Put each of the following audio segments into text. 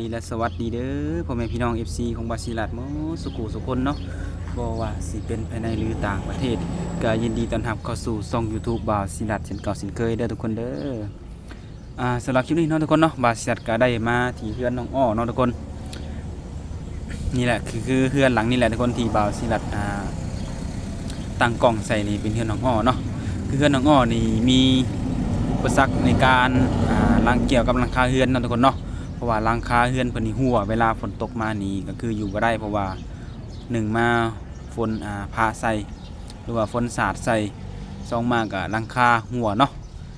ดีและสวัสดีเด้อพ่อแม่พี่น้อง FC ของบาซิลัดหมดสุขุสุคนเนาะบ่ว่าสิเป็นภายในหรือต่างประเทศก็ยินดีต้อนรับเข้าสู่ช่อง YouTube บาซิลัดเช่นเก่าเช่นเคยเด้อทุกคนเด้อสำหรับคลิปนี้เนาะทุกคนเนาะบาซิลัดก็ได้มาที่เฮือนน้องอ้อเนาะทุกคนนี่แหละคือเฮือนหลังนี่แหละทุกคนที่บาซิลัดตั้งกล้องใส่นี่เป็นเฮือนน้องอ้อเนาะคือเฮือนน้องอ้อนี่มีอุปสรรคในการเกี่ยวกับหลังคาเฮือนเนาะทุกคนเนาะเพราะว่าหลังคาเฮือนเพิ่นนี่หัวเวลาฝนตกมานี่ก็คืออยู่บ่ได้เพราะว่า1มาฝนพาใส่หรือว่าฝนสาดใส่2มาก็หลังคาหัวเนาะ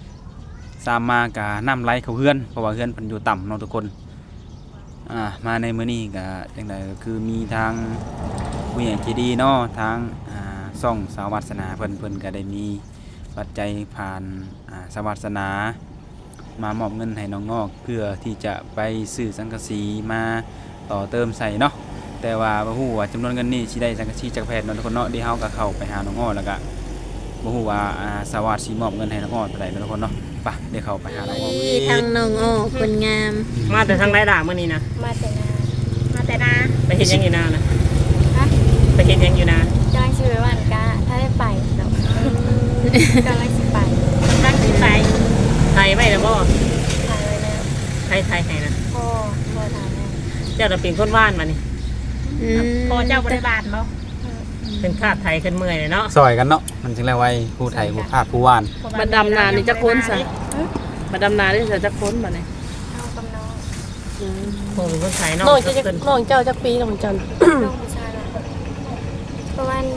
3มาก็น้ำไหลเข้าเฮือนเพราะว่าเฮือนเพิ่นอยู่ต่ำเนาะทุกคนมาในมื้อนี้ก็จังได๋ก็คือมีทางผู้ใหญ่ใจดีเนาะทางช่องสาววัฒนาเพิ่นก็ได้มีปัจจัยผ่านสวัสนามามอบเงินให้น้องงอกเพื่อที่จะไปซื้อสังกะสีมาต่อเติมใส่เนาะแต่ว่าบ่ฮู้ว่าจำนวนเงินนี้สิได้สังกะสีจากแพทย์เนาะทุกคนเนาะเดี๋ยวเฮาก็เข้าไปหาน้องงอกแล้วก็บ่ฮู้ว่าสวัสดิ์สิมอบเงินให้น้องงอกเท่าใดเนาะทุกคนเนาะไปเดี๋ยวเข้าไปหาน้องงอกทางน้องอ้อคนงามมาแต่ทางไรด่ามื้อนี้นะมาแต่นาไปเฮ็ดหยังอยู่นานะฮะไปเฮ็ดหยังอยู่นากำลังชื่อวันกะถ้าได้ไปเนาะกำลังสิไปทางสิไปไทยไว้แล้วบ่ถ่ายไว้แล้วไทยให้นะพ่อถ่ายแล้วเจ้าน่ะเป็นคนว่านมานี่พอเจ้าบริบาลบ่เป็นคาดไทยขึ้นเมื่อยเลยเนาะซอยกันเนาะมันจึงแล้วไว้ผู้ไทยผู้ภาคผู้ว่านมาดำนานี่จะค้นซะมาดำนานี่จะค้นบ่เนี่ยน้องกับน้องโอ้เป็นคนไทยเนาะน้องเจ้าจักปีน้องจันน้องผู้ชายละประมาณ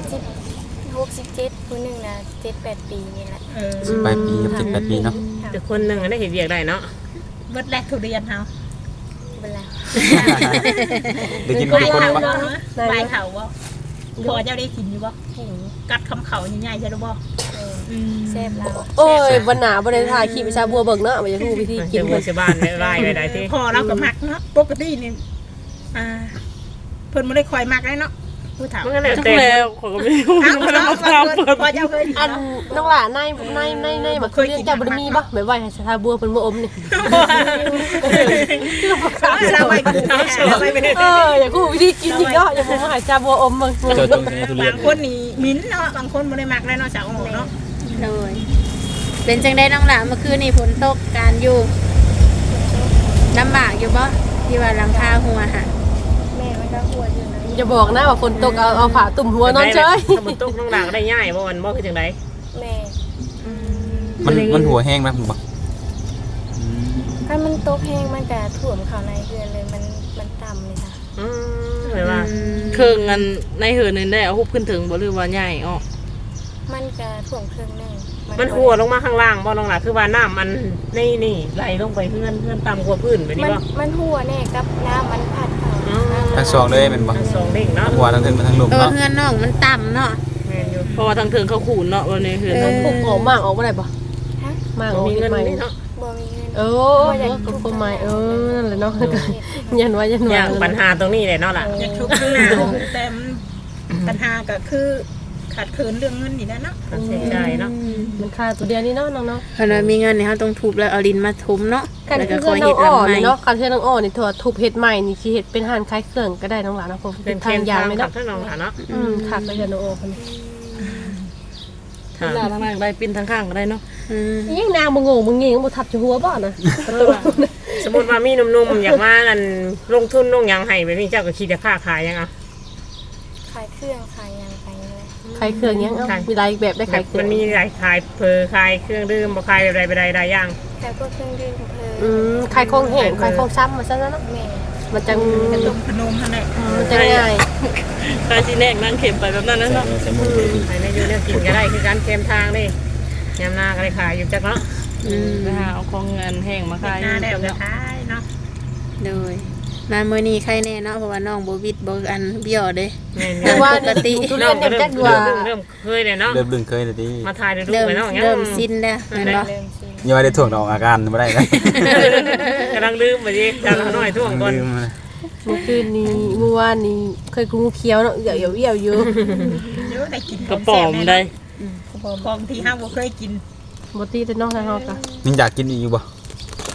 16-17ผู้หนึงน่ะ7-8 ปีนี่แหละ 18 ปีกับ18 ปีเนาะแต่คนหนึงได้เฮ็ดเวียกได้เนาะเบิดแรกทุเรียนเฮาเวลาได้กินคนคนปะใบเขาบ่พอเจ้าได้กินอยู่บ่หิวกัดคำเขาใหญ่ๆใช่หรือบ่แซ่บแล้วโอ้ยวันหนาบ่ได้ถ่ายคลิปวิชาบัวเบิ่งเนาะบ่อยากรู้วิธีกิเจ้าน หมู่เพิ่นชาวบ้านได้ไล่ไปได้ที่พอเราก็มักเนาะปกตินี่เพิ่นบ่ได้คอยมักเลยเนาะผู้เฒ่ามันก็แล้วจักแต่แล้วขอยก็ไม่รู้มันมาถามเพิ่นพอเจ้าเคยอันน้องหล่าในบ่เคยเจ้าบ่ได้มีบ่แบบว่าให้ชาบัวเพิ่นบ่อมนี่คือบ่กล้าเราไปกินเราไปเป็นอยากรู้วิธีกินอีกเนาะอย่าบ่มาให้ชาบัวอมเบิ่งเจอตรงนี้ทุเรียนบางคนนี่มิ้นเนาะบางคนบ่ได้มักเลยเนาะสาวโอ๋เนาะเลยเป็นจังได้น้องหลานเมื่อคืนนี่ฝนตกการอยู่ลำบากอยู่บ่ที่ว่าหลังคาหัวค่ะแม่มันก็หัวอยู่นะอย่าบอกนะว่าฝนตกเอาผ้าตุ่มหัวนอนเฉยถ้ามันตกน้องหลางได้ง่ายบ่วันบ่คือจังได๋แม่มันหัวแห้งไหมผมบอกถ้ามันตกแห้งมันก็ท่วมเข้าในเรือนเลยมันต่ำเลยค่ะหรือว่าเครื่องอันในเหือนึงได้เอาฮุบขึ้นถึงบ่หรือว่าใหญ่อ้อมันก็ท่วมครึ่งหนึงมันหัวลงมาข้างล่างบ่น้องหลางคือว่าน้ำมันนี่ไหลลงไปเพื่อนต่ำกว่าพื้นไปนี่บ่มันหัวแน่กับน้ำมันพัดเข้าทั้งสองเลยเป็นบ่ทั้งสองเด้งเนาะหัวทั้งถึงทั้งลุมเออเนาะเฮือนน้องมันต่ำเนาะแม่นอยู่เพราะว่าทางเถิงเขาขูนเนาะวันนี้เหือเขาปลูกออกมากออกบ่ได้บ่ฮะมากออกมีเฮ็เงิดนใหม่นี่เนาะบ่มีเงินก็คงใหม่นั่นแหละเนาะยันว่าอย่างปัญหาตรงนี้เลยเนาะล่ะอยากทุกข์ข้างหน้าแต่ปัญหาก็คือขาดเคินเรื่องเงินนี่แหละเนาะค่าใช้จ่ายเนาะมันค่าตัวเดียวนี่เนาะน้องเนาะคันว่ามีเงินนี่เฮาต้องทุบแล้วเอาดินมาทุบเนาะการแล้วก็คือคอยน้เฮ็อดงอ้อลำใหม่นี่เนาะการเชื่อน้องอ้อนี่ถั่วทุบเฮ็ดใหม่นี่สิเฮ็ดเป็นห้านขายเครื่องก็ได้น้องหลานนะผมเป็นทางยางเลยเนาะเนาะทั้งน้องหลานเนาะถักไปเฮือนน้องอ้อเพิ่นค่ะหน้าทางได้ปิ้นทางข้างก็ได้เนาะอืมยิ่งนางบ่งงบ่เงี้ยบ่ทับจะหัวบ่นะสมมุติว่ามีหนุ่มๆอยากมานั่นลงทุนลงหยังให้แบบนี้เจ้าก็คิดจะค้าขายยังอ่ะขายเครื่องขายหยังไปเลยขายเครื่องยังมีหลายแบบได้ขายเครื่องมันมีหลายขายขายเครื่องดื่มบ่ขายแบบใดหลายอย่างแต่พวกเครื่องดื่มเพลินขายของแห้งขายของซ้ำมาซะนะแม่มันจังกระตุกพนมท่านแหละมันจะง่ายขายสิแนกนั่งเข็มไปแบบนั้นนะเนาะใส่มือขายในอยู่เนี่ยกินก็ได้คือการเค็มทางนี่ยามหน้าก็ได้ขายอยู่จักเนาะไปหาเอาของเงินแห้งมาขายหน้าแดดจะท้ายเนาะโดยมามื้อนี้ใครแน่เนาะเพราะว่าน้องบ่วิดบ่อันเบี้ยวเด้แม่นแต่ว่าปกติทุเรียนเนี่ยจักว่าเริ่มเคยเลยเนาะเริ่มดึงเคยเลยดิมาถ่ายดูเริ่มไปเนาะเริ่มสิ้นแล้วแม่นบ่ยังไม่ได้ถ่วงดอกอาการไม่ได้เลยกำลังลืมไปดิจังน้อยท่วงก่อนลืมเลยเมื่อคืนนี้เมื่อวานนี้เคยกูเคี้ยวเนาะเอี่ยวอยู่เยอะได้กินกระป๋อมได้ของที่ห้าบ่เคยกินบ่ตีแต่นอกทางเฮาก็ยังอยากกินอีกอยู่บ่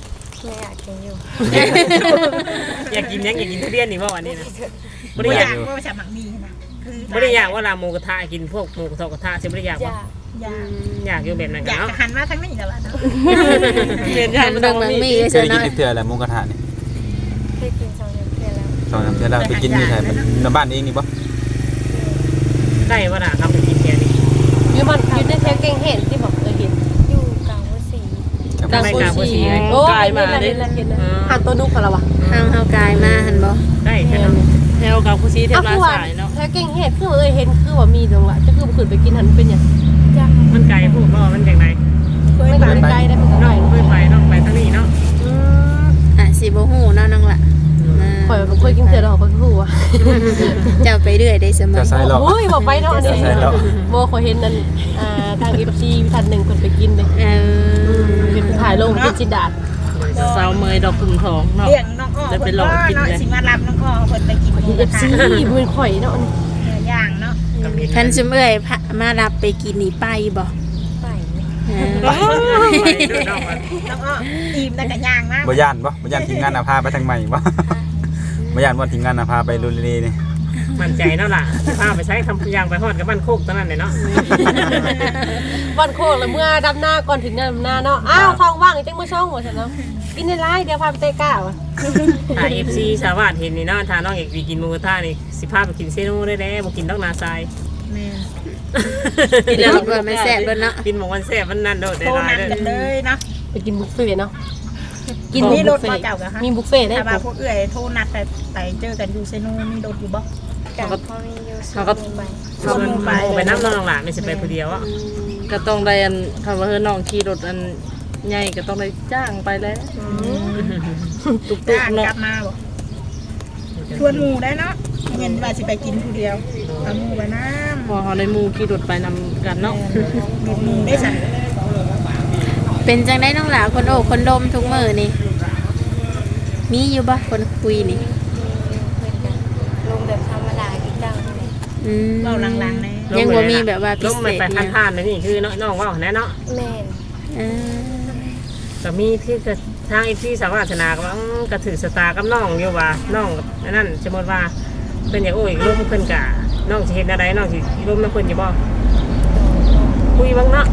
ไม่อยากกินอยู่อยากกินยังอยากกินทุเรียนนี่บ่วันนี้นะบ่บ่ได้อยาก กอายว่าจะหมักมีนะคือบ่ได้อยากว่าลาหมูกระทะกินพวกหมูกระทะกระทะสิบ่ได้อยากอว่ายากอยากอยากอยู่แบบนั้นอกันยากเนาะจะหันมาทั้งนี้แล้วล่ะเนาะหันเบิ่งบางมีเคซะยกินเนาะเทื่อแหละหมูกระทะนี่เคยกิน2 เดือนแล้วสองสามเทื่อแล้วไปกินอยู่ไสมันในบ้านเองนี่บ่ได้ว่าน่ะครับไปกินแค่นี้อยู่มันอยู่ในแถวเก่งเห็นที่บอกเห็นอยู่กลางวัดศรีกลางไม่โพกลางบ่สีสีเลยโอ้ยเห็นนะหันตัวนุกกันแล้ววะทางเฮากายมาหั่นบ่ได้แค่นั้นแถวกับผู้ชี้แถอ้าววลาคือว่าสายเนาะแถวเก่งเห็นคือเห็นคือว่ามีตรงละจะคือขึ้นไปกินหันเป็นอย่างจ้ามันไกลพูดว่ามันจังไดเคยไม่ไปไกลได้เป็นน้ไกลองเคยไปน้องไปทางนี้เนาะอ่ะสิบ่ฮู้เนาะน้องล่ะข่อยบ่เคยกินเสือดอกข่อยคือว่าเจ้าไปเรื่อยได้เสมอจะใส่หรอกโอ้ยบอกไปเนาะอันนี้ใช่แล้วโมข่อยเห็นนั่นทาง FC ท่านหนึ่งคนไปกินเลย เป็นถ่ายลงเป็นจิดาดสาวเมยดอกกุมทองเนาะเลี้ยงน้องอ้อเพิ่นก็เนาะสิมารับน้องอ้อเพิ่นไปกินหมูกระทะ FC เป็นข่อยเนาะเนื้อย่างเนาะท่านซุมเอ้ยพะมารับไปกินนี่ไปบ่ไปเออน้องมันน้องอ้ออิ่มแล้วก็ย่างมากบ่ย่านทีมงานพาไปทางใหม่บ่บ่ย่านว่าทีมงานพาไปลุลีนี่มั่นใจเนาะล่ะพาไปใช้ทำยางไปฮอดกับบ้านโคกตอนนั้นเลยเนาะวันโคกแล้วเมื่อดำหน้าก่อนถึงดำหน้าเนาะอ้าวท้องว่างจังบ่ช่องว่าซั่นเนาะกินในร้านเดี๋ยวพาไปเตะก้าวถ้า FC ชาวบ้านเห็นนี่เนาะถ้าน้องอยากไปกินหมูกระทะนี่สิพาไปกินเซโน่ได้แล้วบ่กินดอกนาทรายแม่กินแล้วว่ามันแซ่บเด้อเนาะกินหมูมันแซ่บมันนั่นโดดได้โทรหลายนัดเด้กันเลยเนาะไปกินบุฟเฟ่ต์เนาะกินมีรบุถฟเฟ่บ่ต์เจ้าก็ฮะมีบุฟเฟ่ต์ได้ถ้าว่าพปุ๊วกเอื้อยโทรนัดไปเจอกันอยู่เซโนมีรถอยู่บ่กับพ่อมีอยู่สูงไปส่วนไปน้ำน้องหลานไม่ใช่ไปผู้เดียวอ่ะก็ต้องได้อันคำว่าเฮ้ยน้องขี่รถอันใหญ่ก็ต้องได้จ้างไปแล้วตุกจ้างๆเนาะกลับมาบ่ชวนหมู่ได้เนาะเงินว่าสิไปกินผู้เดียวเอาหมู่ไปน้ำพอเขาได้หมู่ขี่รถไปนำกันเนาะมีหมู่ได้สั่นเป็นจังได๋น้องหลาคนโอ้คนดมทุกมื้อนี่มีอยู่บ่คนคุยนี่เหมือนกันลงแบบธรรมดาอีกดังเลยอืมเว้าหลังๆแน่ยังบ่มีแบบว่าพิลงเศไปษไปเนี่ยท่านๆนี่คือน้องว่าแน่เนาะแม่นเออก็มีที่ทางอีที่สาวาสนาก็ว่ากระถือสตากับน้องอยู่ว่าน้องนั่นสมมติว่าเป็นอย่างโอ้ยร่มเพิ่นกะน้องสิเห็นอะไรน้องสิร่มน้ำเพิ่นอยู่บ่คุยบ้างเนาะ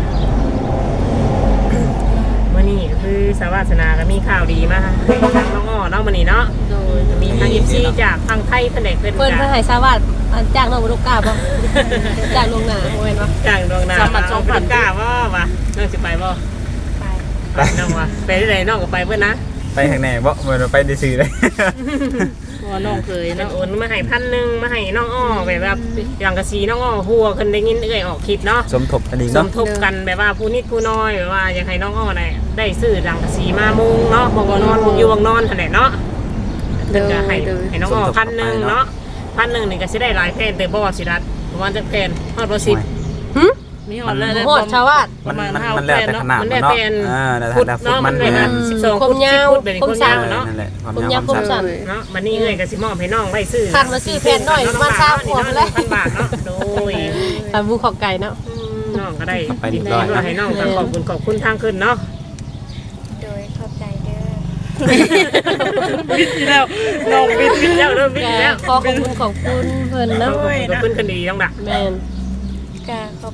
มื้อนี้ก็คือสาวาสนาก็มีข่าวดีมาทางน้องอ้อเนาะมื้อนี้เนาะโดยมีทาง FC จากทางไทยเพิ่นได้เพิ่นเพิ่นกะเพิ่นให้ทราบว่าจ้างน้องบ่ลูกกล้าบ่จ้างลวงหน้าบ่แม่นบ่จากดวงนาเอาเพิ่นกล้าบ่วะน้องสิไปบ่ไปไปน้องวะไปที่ไหนน้องก็ไปเพิ่นนะไปทางไหนบ่เหมือนไปได้ซื้อเลยเพราะว่าน้องเคยเป็นเนาะโอนมาให้1,000มาให้น้องอ้อแบบว่าอย่างกะสีน้องอ้อหัวคนได้ยินเอ้ยออกคลิปเนาะสมทบอันนี้สเนาะมทบกันแบบว่าผู้นิดผู้น้อยแบบว่าอยากให้น้องอ้อได้ซื้อหลังกะสีมามุงเนาะบอกว่านอนมุงอยู่วังนอนหั่นแหละเนาะเดี๋ยวจะให้น้องอ้อ1,000เนาะ1,000นี่ก็สิได้หลายแผ่นแต่บ่สิรัดประมาณจักแผ่นฮอดบ่10 มีหอดแล้วโหดชาวบ้านประมาณมันแล้วแต่ขนาดมันมันได้เนาะแผ่นแล้วฟุตแต่ฟุตเนาะมัมัน นเป็ได้น 12 คฟุมตยาว 10ฟุตเป็นคนยาวเนาะนั่นแหละความผมยายาว วผมความสั้สั้นนเนาะมันนี่เอ้ยก็สิมอบให้น้องได้ซื้อคันมาซื้อแผ่นหน่อยมาเช้าหัวไปเลย 1,000 บาทเนาะโดยตามบูขอบไก่เนาะน้องก็ได้ดีใจด้วยให้น้องขอบคุณทางขึ้นเนาะโดยขอบใจเด้อบิดแล้วน้องบิดบิดแล้วเริ่มบิดแล้วขอบคุณเพิ่นเนาะขอบคุณคนดีน้องดักแม่นกาขอบ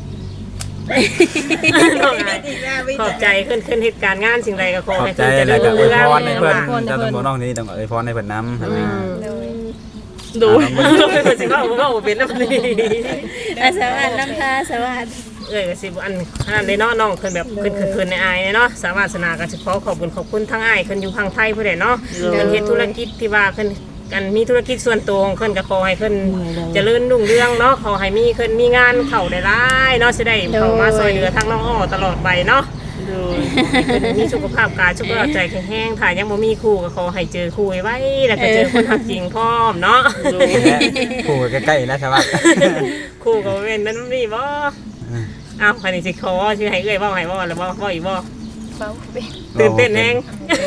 ขอบใจขึ้นเหตุการณ์งานสิ่งใดก็ขอขอบให้ใจขึ้นจะแล้วก็อวยพรให้เพิ่นอวยพรให้เจ้าเพิ่ต้องนบอกน้องนี่ต้องอวยพรให้เพิ่นนำโดยดูไม่เป็นสิว่าผมว่าเป็นแล้วนี่อาสวัสดีน้ำตาสวัสดีสิอันนั้นในน้องขึ้นแบบขึ้นในอายเนาะสามารถสนากันเฉพาะขอบคุณทั้งอายขึ้นอยู่ทางไทยเพื่อนเนาะเป็นเฮ็ดธุรกิจที่ว่าขึ้นกันมีธุรกิจส่วนตัวของขึ้นก็ขอให้ขึ้นเจริญรุ่งเรืองเนาะขอให้มีขึ้นมีงานเข่าได้ร้ายเนาะจะได้เข้ามาซอยเหลือทั้งน้องอ้อตลอดไปเนาะดูมีสุขภาพกายสุขภาพใจแข็งแรงถ้ายังบ่มีคู่ก็ขอให้เจอคู่ไว้แล้วก็เจอคนทักจริงพร้อมเนาะผู้ใกล้ๆนะชาวบ้านคู่ก็เป็นนั้นนี่บ่อ้าวคันนี้สิขอชื่อให้เอ้ยบ่ให้บ่แล้วบ่อีกบ่เฝ้าเป็นตื่นเต้นแฮง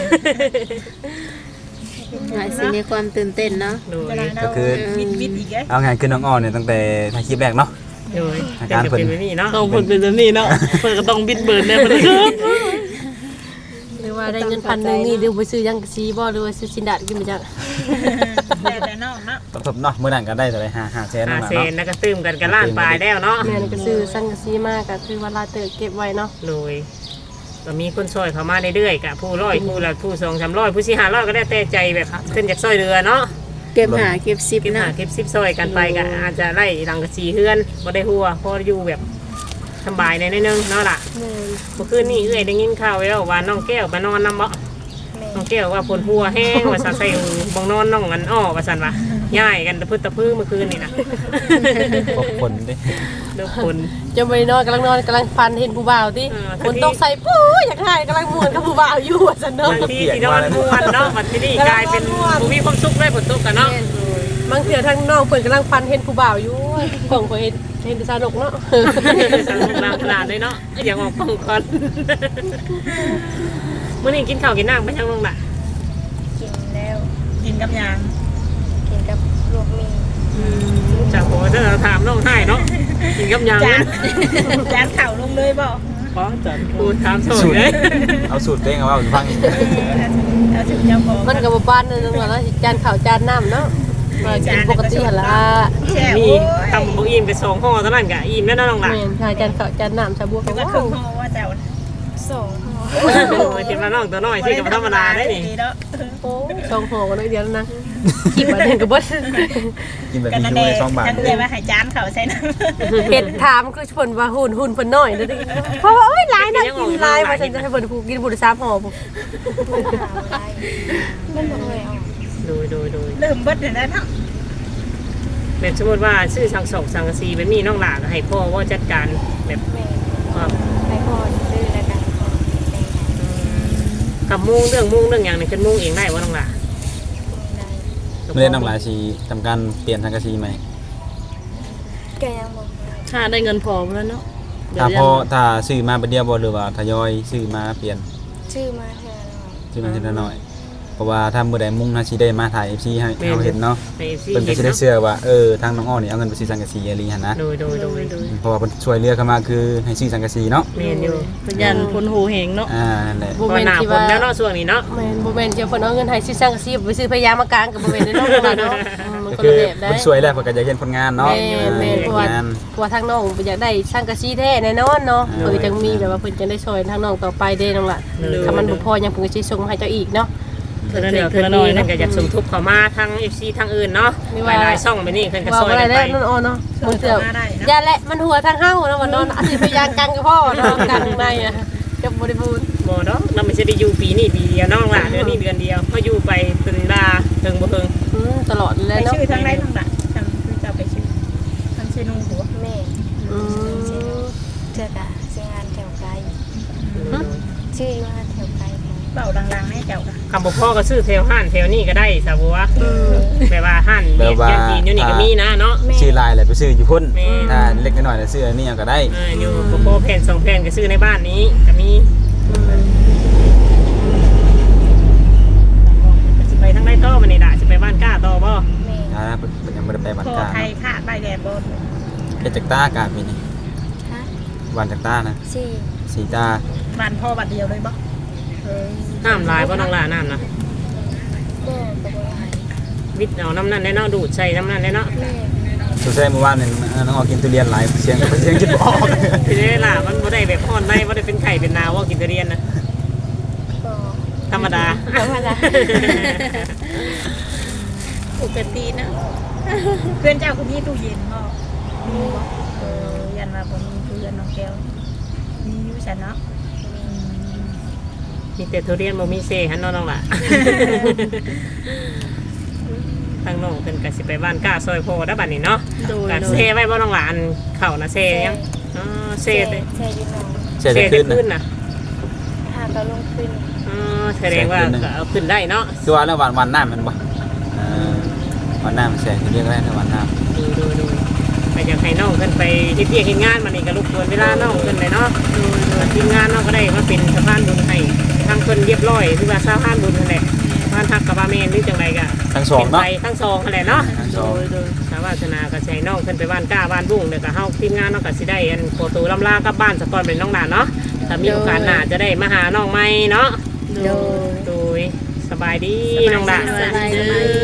หน่อยสิมีความตื่นเต้นเนาะโดยก็คือวิทย์อีกไงเอางานขึ้นน้องอ้อเนี่ยตั้งแต่ถ่ายคลิปแรกเนาะโดยเป็นแบบนี้เนาะต้องผลเป็นแบบนี้เนาะเพิ่นก็ต้องบิดเบิร์นแน่เพิ่นหรือว่าได้เงิน1,000นี่เดี๋ยวไปซื้อยังซีบ่หรือว่าซื้อสินดาดกินไปจังแต่น้องเนาะต้องทบเนาะมื้อนั้นก็ได้เท่าไหร่5แสนหานั่นเซล่ะนเนาะแล้วก็ตื้มกันกับล้านปลายแล้วเนาะแม่นก็ซื้อสังกะสีมากก็คือว่าลาเตอเก็บไว้เนาะเลยก็มีคนซอยเข้ามาเรื่อยๆกับผู้ร้อยผู้ละผู้200-300ผู้400-500ก็ได้แต่ใจแบบขึ้นจากซอยเรือเนาะเก็บหาเก็บซิปเก็บหานะเก็บซิปซอยกันไปก็อาจจะไล่หลังกะสีเฮือนบ่ได้หัวพออยู่แบบสบายในนิดนึงเนาะล่ะเมื่อคืนนี้เอื้อยได้ยินข่าวแล้วว่าน้องแก้วไปนอนนำบ่น้องแก้วว่าผลหัวแห้งว่าซั่นใส่บ่งนอนน้องอันอ้อว่าซั่นว่าย้ายกันตะพึดตะพื้เมื่อคืนนี่นะพบคนเด้เลิกคนจะไปนอนกำลังฟันเห็นผู้บ่าวติฝนตกใส่ปู๊อยากถ่ายกำลังม่วนกับผู้บ่าวอยู่ว่าซั่นเนาะบางทีที่นอนม่วนเนาะบัดนี้กลายเป็นบ่มีความสุขเลยฝนตกกันเนาะบางเทื่อทั้งน้องเพิ่นกำลังฟันเห็นผู้บ่าวอยู่ของเพิ่นเห็นแต่สนุกเนาะสนุกลามขนาดเลยเนาะอยากออกฟังก่อนมื้อนี้กินข้าวกินน้ำไปยังลงล่ะกินแล้วกินกับยางกินกับลวกมีจากโหจะถามน้องให้เนาะกินกับยังจานจานเข่าลงเลยบ่อ๋อจัดกูถามโซ่เลยเอาสูตรเด้งเอาว่าฟังเอาถึงเจ้าของมันก็บ่ปานนั่นว่าเนาะจานข้าวจานน้ำเนาะว่ากินปกติหั่นล่ะแช่มีโอ้ยทำบุอิ่มไป2ห่อเท่านั้นกะอิ่มแล้วเนาะน้องล่ะแม่นถ้าจานข้าวจานน้ำชาบัวก็ก็ว่าครึ่งห่อว่าเจ้า 2 ห่อเจ็บมาน้องตัวน้อยที่กับธรรมดาได้นี่เนาะโอ้สองห่อกันเลยเดียวแล้วนะคิดว่าเดินกับเบิดกินแบบกันนี้นั่นช่เอวยง 2 บาทฉันเลยว่าให้จานเขาใส่น้ำเห็ดถามคือเพิ่นว่าหุ่นเพิ่นน้อยเด้อเพราะว่าโอ้ยหลายนะกินหลายว่าฉันจะให้เพิ่นผูกกินบุญ3ห่อพุ่นถามอะไรมันบ่เคยเอาโดยเริ่มเบิดเลยนะเนาะแบบสมมติว่าซื้อสังสอกสังกะสีแบบนี้น้องหลาก็ให้พ่อว่าจัดการแบบแม่ว่าให้พ่อซื้อแล้วกันพ่อแต่งให้กับมุ่งเรื่องอย่างนี้ขึ้นมุ่งเองได้ว่าน้องหลาได้ไม่ได้น้องหลายสิทำการเปลี่ยนทางกะสีใหม่ก็ยังบ่ถ้าได้เงินพอแล้วเนาะเดี๋ยถ้าว พยัอง ถ้าซื้อมาเป็นเดียวบ่หรือว่าทยอยซื้อมาเปลี่ยนชื่อมาเท่าไหร่ซื้อมาทีละหน่อยเพราะว่าถ้ามื้อใดมุ่งน่าสิได้มาถ่าย FC ให้เราเห็นเนาะในซีเพิ่นก็เห็นสิได้เนาะเชื่อว่าทางน้องอ้อนี่เอาเงินไปซื้อสังกะสีอีหลีหั่นนะโดยเพราะว่าเพิ่นช่วยเหลือเข้ามาคือให้ซื้อสังกะสีเนาะเมนอยู่เป็นยันคนหูเหงเนาะนั่นแหละเพราะว่าหน้าฝนแล้วเนาะช่วงนี้เนาะแม่นบ่แม่นจะเพิ่นเอาเงินให้ซื้อสังกะสีไปซื้อพยามากางกับบ่แม่นเนาะเนาะมันก็ก็คือแบบได้เพิ่นช่วยแล้วเพิ่นก็อยากเห็นผลงานเนาะแม่นเพราะว่างานเพราะว่าทางน้องอยากได้สังกะสีแท้แน่นอนเนาะเพิ่นจังมีแบบว่าเพิ่นจะได้ช่วยทางน้องต่อไปเด้น้องล่ะถ้ามันบ่พอยังเพิ่นก็สิส่งมาให้เจ้าอีกเนาะเท่านั้นเองเพิ่เท่าน นั้นมีเองนั่เนาะนก็อยากสมทบเข้ามาทาง FC ทางอื่นเนาะหลายๆช่องไปนี่เพิ่นก็ว่าซอยอะไรกันได้ไปนั่นอ๋อเนาะเอมันอเกี่ยวมาได้เนาะอย่าแหละมันหัวทางเฮ้าเนาะมันนอนอาศิพยางกันกับพ่อเนาะกันในอ่ะจะบริบูรณ์บ่เนาะเราไม่ใช่ได้อยู่ปีนี้ปีเดียวน้องล่ะเดือนนี้เดือนเดียวก็อยู่ไปถึงดาถึงบ่ถึงตลอดเลไปยเนาะชื่อทั้งไรทั้งหลักทั้งคือจะไปชื่อทั้งชื่อนุ่งหัวแม่อืมเจอกะซื้องานแถวไกลชื่ออยู่งานแถวไกลค่ะเบาดังๆให้เจ้าค่ะคำบอกพ่อก็ซื้อแถวห้านแถวนี้ก็ได้สาวบัวแบบว่าห้านเบียดยันจีนอยู่นี่ก็มีนะเนาะชื่อลายแหละไปซื้ออยู่พุ่นแม่ถ้าเล็กน้อยๆแล้วซื้ออันนี้เอาก็ได้อยู่โปรแผ่น2แผ่นก็ซื้อในบ้านนี้ก็มีสิไปทางไหนต่อมานี่ล่ะสิไปบ้านก้าต่อบ่แม่เป็นยังบ่ได้ไปบ้านพอกลางไทยขาดใบแดดบนเฮ็ดจักตากาปีนี้ฮะวันจักตานะสี่สีตาบานพ่อบัดเดียวเลยบ่น้ำลายบ่น้องล่ะน้ำนะก็กระบวนการวิทย์เอาน้ำนั่นได้เนาะดูดใส่น้ำนั่นได้เนาะแม่สุดท้ายเมื่อวานนี่น้องออกกินทุเรียนหลายเสียงคิดบ่ออกทีนี้ล่ะมันบ่ได้แบบฮ้อนได้บ่ได้เป็นไข่เป็นนาว่ากินทุเรียนนะก็ธรรมดาธรรมดาปกตินะเพื่อนเจ้าคนนี้ตู้เย็นบ่มีบ่ยันมาบ่มีเพื่อนน้องแก้วมีอยู่ฉันเนาะมีแต่ทุเรียนบ่มีเซ่หันเนาะน้องล่ะ ทางน้องเพิ่นก็สิไปบ้านก้าซอยพ่อได้บัดนี้เนาะโดยก็โดเซ่ยไว้บ่น้องล่ะอันเข้านะเซ่ยังอ๋อเซ่เด้แช่อยู่หนองเสียจะเซ่ขึ้จะนขึ้นนะน่ะหาก็ลงขึ้นอ๋อแสดงว่าก็เอาขึ้นได้เนาะคือว่าแล้ววันน้ำมันบ่วันน้ำแสงเรียกได้ในวันน้ำดูไปอยากให้น้องเพิ่นไปเฮ็ดเวียกเฮ็ดงานมานี่ก็รบกวนเวลาน้องเพิ่นเลยเนาะทีมงานน้องก็ได้มาเป็นสะพานบุญให้ทางเพิ่นเรียบร้อยคือว่าสะพานบุญนั่นแหละบ้านทักกับบ้านแม่นหรือจังไดก็ทั้งสองเป็นเนาะไปทั้งสองนั่นแหละเนาะทั้งโดสองยสาวาสนาก็ใช้น้องขึ้นไปบ้านก้าบ้านบุ้งเดี๋ยวก็เฮาทีมงานน้องก็สิได้อันโปรตูลำลากลับบ้านสะก่อนเป็นน้องหลานเนาะถ้ามีโอกาสหน้าจะได้มาหาน้องใหม่เนาะโดยโดยสบายดีน้องดาสบายดี